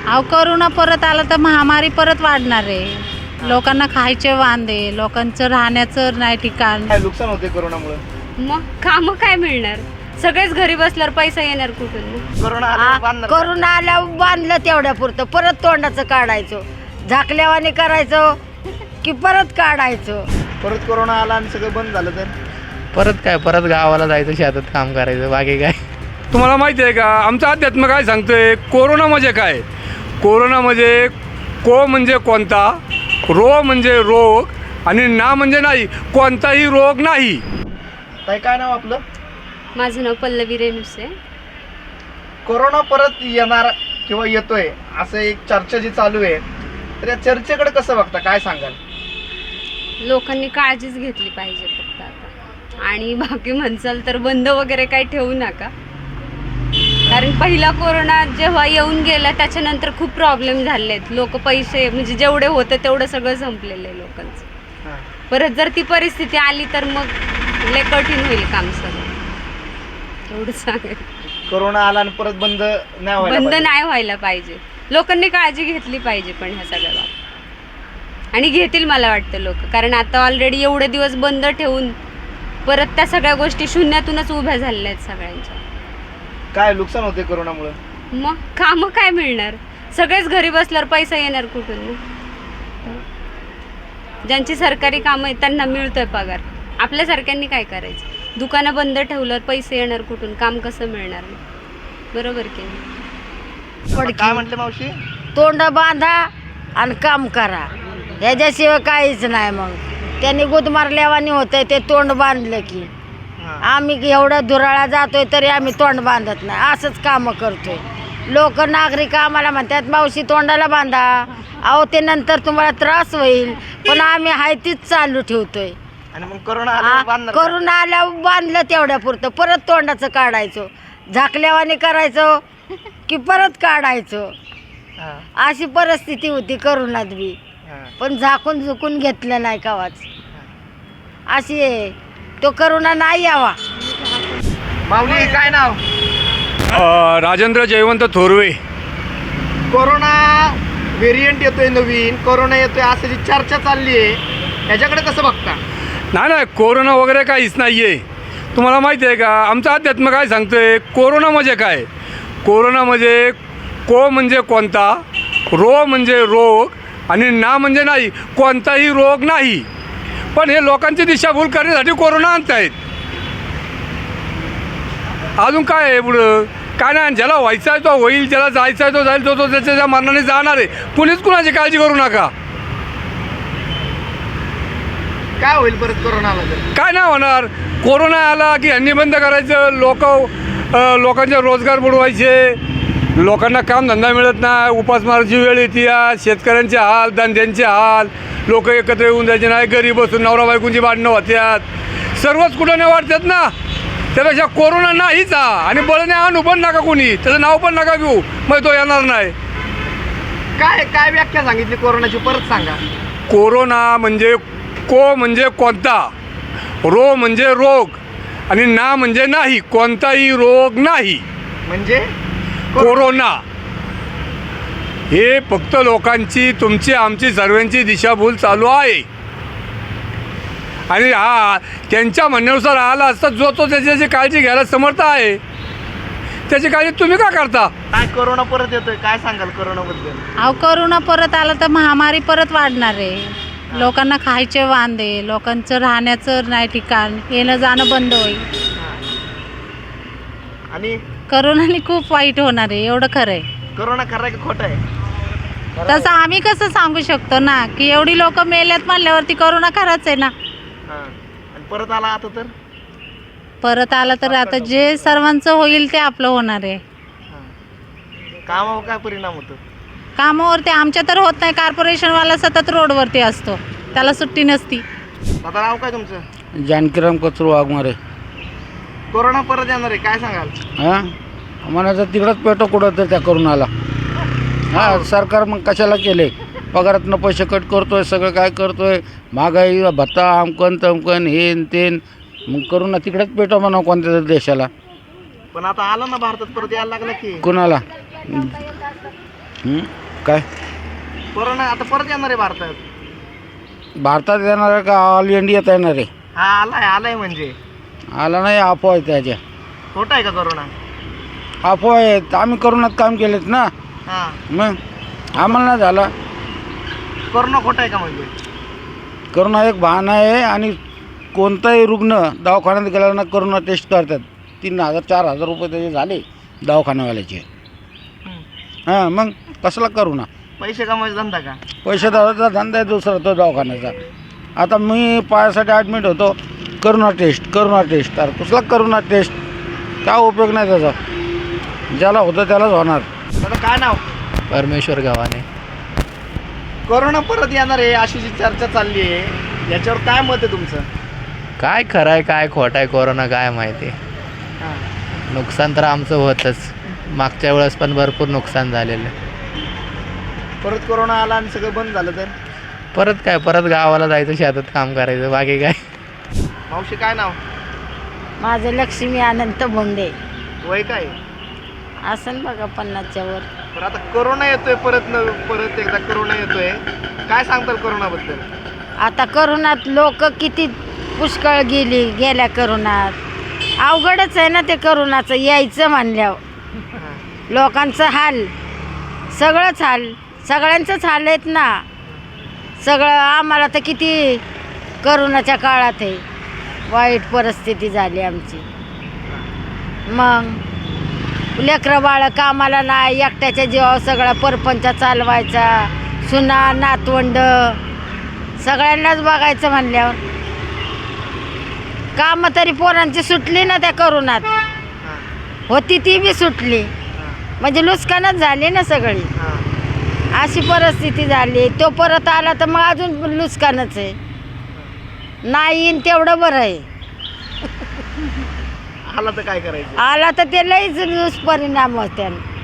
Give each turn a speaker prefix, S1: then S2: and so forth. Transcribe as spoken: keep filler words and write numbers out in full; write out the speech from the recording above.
S1: अहो करोना परत आला तर महामारी परत वाढणार आहे. लोकांना खायचे वांदे, लोकांचं राहण्याचं नाही ठिकाण.
S2: काय नुकसान होते करोनामुळे?
S3: मग कामं काय मिळणार? सगळेच घरी बसल्यावर पैसा येणार कुठून मग?
S2: करोना आल्यावर बांधणार का?
S4: करून आल्यावर बांधलं तेवढ्या पुरतं, परत तोंडाचं काढायचो, झाकल्यावाने करायचो की परत काढायचो.
S2: परत कोरोना आला आणि सगळं बंद झालं तर
S5: परत काय, परत गावाला जायचं, शेतात काम करायचं, बाकी काय.
S6: तुम्हाला माहिती आहे का आमचं अध्यात्म काय सांगतोय? कोरोना म्हणजे काय? कोरोना म्हणजे को म्हणजे कोणता, रो म्हणजे रोग आणि ना म्हणजे नाही, कोणताही रोग नाही.
S2: ताई काय नाव आपलं?
S3: माझं नाव पल्लवी रेणुसे.
S2: कोरोना परत येणार किंवा येतोय असं एक चर्चा जी चालू आहे, तर या चर्चेकडे कसं बघता, काय सांगाल?
S3: लोकांनी काळजीच घेतली पाहिजे फक्त आता. आणि बाकी म्हणसाल तर बंद वगैरे काही ठेवू नका, कारण पहिला कोरोना जेव्हा येऊन गेला त्याच्यानंतर खूप प्रॉब्लेम झाले आहेत. लोक पैसे म्हणजे जेवढे होतं तेवढं सगळं संपलेलं आहे लोकांचं.
S2: हां.
S3: परत जर ती परिस्थिती आली तर मग लय कठीण होईल काम सगळं. एवढं सांगेल.
S2: कोरोना आला आणि परत बंद नाही व्हायला
S3: बंद
S2: पाहिजे.
S3: नाही व्हायला पाहिजे. लोकांनी काळजी घेतली पाहिजे पण ह्या सगळ्या बाबतीत, आणि घेतील मला वाटतं लोक, कारण आता ऑलरेडी एवढे दिवस बंद ठेवून परत त्या सगळ्या गोष्टी शून्यातूनच उभ्या झालेल्या आहेत सगळ्यांच्या.
S2: काय नुकसान होते करोनामुळे?
S3: मग कामं काय मिळणार? सगळेच घरी बसल्यावर पैसा येणार कुठून मग? ज्यांची सरकारी कामं आहेत त्यांना मिळतोय पगार. आपल्यासारख्यांनी काय करायचं? दुकानं बंद ठेवल्यावर पैसे येणार कुठून? काम कसं मिळणार मग? बरोबर की नाही?
S2: आता काय म्हटले मावशी?
S4: तोंड बांधा आणि काम करा, ह्याच्याशिवाय काहीच नाही. मग त्यांनी गुद मारल्यावानी होतंय ते तोंड बांधलं की.
S2: हां.
S4: आम्ही एवढं धुराळा जातोय तरी आम्ही तोंड बांधत नाही, असंच कामं करतोय. लोक नागरिक आम्हाला म्हणतात मावशी तोंडाला बांधा, अहो ते नंतर तुम्हाला त्रास होईल, पण आम्ही हाय तीच चालू ठेवतोय.
S2: आणि मग कोरोना आल्यावर बांधणार का?
S4: करून आल्यावर बांधलं तेवढ्या पुरतं, परत तोंडाचं काढायचो, झाकल्यावाने करायचो की परत काढायचो.
S2: हां.
S4: अशी परिस्थिती होती करोनात बी,
S2: हां.
S4: पण झाकून झुकून घेतलं नाही कावाच. अशी आहे, तो करोना नाही यावा.
S2: माऊली काय नाव?
S6: अ, राजेंद्र जयवंत थोरवे.
S2: कोरोना व्हेरियंट येतोय नवीन, कोरोना येतोय असं जी चर्चा चालली आहे, याच्याकडे कसं बघता?
S6: नाही नाही, कोरोना वगैरे काहीच नाही आहे. तुम्हाला माहिती आहे का आमचं अध्यात्म काय सांगतोय? कोरोना म्हणजे काय? कोरोना म्हणजे को म्हणजे कोणता, रो म्हणजे रोग आणि ना म्हणजे नाही, कोणताही रोग नाही. पण हे लोकांची दिशाभूल करण्यासाठी कोरोना आणतायत. अजून काय आहे पुढं? काय नाही, ज्याला व्हायचं आहे तो होईल, ज्याला जायचं आहे तो जाईल, तो तो त्याच्या त्या मरणाने जाणार आहे. कुणीच कुणाची काळजी करू नका.
S2: काय होईल परत कोरोना आला तर?
S6: काय नाही होणार. कोरोना आला की ह्यांनी बंद करायचं, लोक लोकांचे रोजगार बुडवायचे, लोकांना कामधंदा मिळत नाही, उपासमाराची वेळ येते, शेतकऱ्यांचे हाल, धंद्यांचे हाल, लोक एकत्र येऊन जायचे नाही, घरी बसून नवरा बायकोंची भांडणं होत्यात, सर्वच कुठं नाही वाटतात ना. त्यापेक्षा कोरोना नाहीच हा, आणि बळणे आणू पण नका कोणी, त्याचं नाव पण नका घेऊ, मग तो येणार नाही.
S2: काय काय व्याख्या सांगितली कोरोनाची, परत सांगा.
S6: कोरोना म्हणजे को म्हणजे कोणता, रो म्हणजे रोग आणि ना म्हणजे नाही, कोणताही रोग नाही.
S2: म्हणजे
S6: कोरोना हे फक्त लोकांची, तुमची आमची सर्वांची दिशाभूल चालू आहे. आणि हा त्यांच्या म्हणण्यानुसार आला असता जो तो त्याची काळजी घ्यायला समर्थ आहे, त्याची काळजी तुम्ही का करता?
S2: काय कोरोना परत येतोय, काय सांगाल कोरोनाबद्दल?
S1: अहो करोना परत आला तर महामारी परत वाढणार आहे. लोकांना खायचे वांदे, लोकांचं राहण्याचं नाही ठिकाण, येणं जाणं बंद होईल.
S2: आणि
S1: करोनाने खूप वाईट होणार आहे, एवढं खरं आहे.
S2: कोरोना खरं की खोटं आहे? खरं
S1: तसं
S2: आहे.
S1: आम्ही कसं सांगू शकतो ना की एवढी लोक मेल्यात म्हणल्यावरती करोना खराच आहे ना.
S2: हां. आणि परत आला आता तर?
S1: परत आला तर आता जे सर्वांचं होईल ते आपलं होणार आहे.
S2: हां. कामावर काय परिणाम होतो?
S1: कामावरती आमच्या तर होत नाही, कॉर्पोरेशनवाला सतत रोडवरती असतो, त्याला सुट्टी नसती.
S2: दादा नाव काय तुमचं?
S5: जानकीराम कचरू वाघमारे.
S2: कोरोना परत येणार आहे, काय सांगाल?
S5: हां, आम्हाला तर तिकडंच पेटो कुठं तर त्या करोनाला. हां, सरकार मग कशाला केले? पगारातनं पैसे कट करतोय, सगळं काय करतोय, महागाई भत्ता आमकन तमकन हेन तेन, मग करोना तिकडेच पेटो म्हणा कोणत्या तरी देशाला.
S2: पण आता आलं ना भारतात परत यायला लागलं की.
S5: कुणाला? हं? काय
S2: कोरोना आता परत येणार आहे भारतात.
S5: भारतात येणार आहे का ऑल इंडियात येणार आहे?
S2: हा आलाय आलाय म्हणजे
S5: आला नाही, अफवा आहे त्याच्या.
S2: खोटं आहे का कोरोना?
S5: अफवा आहेत. आम्ही करोनात काम केलेत ना,
S2: हा
S5: मग आम्हाला नाही झाला.
S2: कोरोना खोटं आहे का म्हणजे?
S5: करोना एक बहाणा आहे आणि कोणताही रुग्ण दवाखान्यात गेल्यानं करोना टेस्ट करतात. तीन हजार चार हजार रुपये त्याचे झाले दवाखान्यावाल्याचे.
S2: हम्म.
S5: हां, मग कसला करोना?
S2: पैसे कमवायचा धंदा का?
S5: पैसे दादाचा धंदा आहे दुसरा तो दवाखान्याचा. आता मी पायासाठी ॲडमिट होतो, करोना टेस्ट करोना टेस्ट तर कसला करोना टेस्ट? काय उपयोग नाही त्याचा. ज्याला होतं त्यालाच होणार.
S2: दादा काय नाव?
S7: परमेश्वर गव्हाणे.
S2: कोरोना परत येणार आहे अशी जी चर्चा चालली आहे, याच्यावर काय मत आहे तुमचं?
S7: काय खरं आहे काय खोटं आहे कोरोना काय माहिती.
S2: हा.
S7: नुकसान तर आमचं होतंच. मागच्या वेळेस पण भरपूर नुकसान झालेलं.
S2: परत कोरोना आला आणि सगळं बंद झालं तर?
S7: परत काय परत गावाला जायचं, शेतात काम करायचं, बाकी काय.
S2: मावशी काय नाव?
S4: माझं लक्ष्मी अनंत भोंडे.
S2: वय काय?
S4: असं बघा पन्नासच्या वर.
S2: पण आता कोरोना येतोय परत न परत एकदा कोरोना येतोय, काय सांगताल कोरोनाबद्दल?
S4: आता करोनात लोक किती पुष्कळ गेली गेल्या करोनात. अवघडच आहे ना ते करोनाचं यायचं म्हणल्यावर.
S2: हा.
S4: लोकांचं हाल, सगळंच हाल, सगळ्यांचंच हाल आहेत ना. सगळं आम्हाला तर किती करोनाच्या काळात आहे वाईट परिस्थिती झाली आमची. मग लेकरं बाळं कामाला नाही, एकट्याच्या जीवावर सगळा परपंच चालवायचा, सुना नातवंड सगळ्यांनाच बघायचं म्हणल्यावर कामं तरी पोरांची सुटली ना त्या करोनात.
S2: हा.
S4: होती ती बी सुटली,
S2: हा.
S4: म्हणजे नुकसानच झाली ना सगळी.
S2: हा.
S4: अशी परिस्थिती झाली. तो परत आला तर मग अजून नुकसानच आहे. नाही येईन तेवढं बरं आहे.
S2: आला तर काय करायचं?
S4: आला तर ते लईच दुष्परिणाम होत्या.